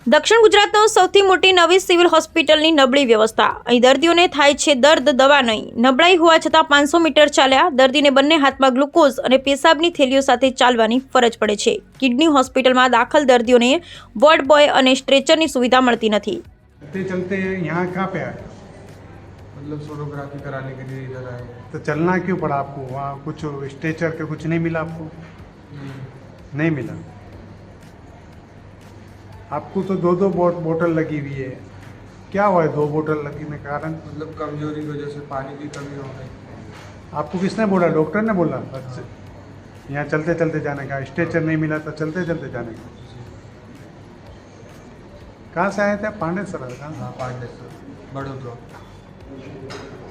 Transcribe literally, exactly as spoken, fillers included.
દક્ષિણ ગુજરાતનો સૌથી મોટી નવી સિવિલ હોસ્પિટલની નબળી વ્યવસ્થા। અહીં દર્દીઓને થાય છે દર્દ, દવા નહીં। નબળાઈ હોવા છતાં પાંચસો મીટર ચાલ્યા દર્દીને બંને હાથમાં ગ્લુકોઝ અને પેશાબની થેલીઓ સાથે ચાલવાની ફરજ પડે છે। કિડની હોસ્પિટલમાં દાખલ દર્દીઓને વોર્ડ બોય અને સ્ટ્રેચરની સુવિધા મળતી નથી। चलते चलते यहाँ कहाँ पे आए? मतलब सोनोग्राफी कराने के लिए इधर आए। तो चलना क्यों पड़ा आपको? वहाँ कुछ स्ट्रेचर के कुछ नहीं मिला आपको? नहीं मिला। आपको तो दो दो बोतल लगी हुई है, क्या हुआ है दो बोतल लगने के कारण? मतलब कमजोरी की वजह से पानी की कमी हो गई। आपको किसने बोला? डॉक्टर ने बोला? अच्छा, यहाँ चलते चलते जाने का, स्ट्रेचर नहीं मिला तो चलते चलते जाने का। कहाँ से आए थे? पांडेसर? कहाँ? हाँ, पांडेसर, बड़ोदरा।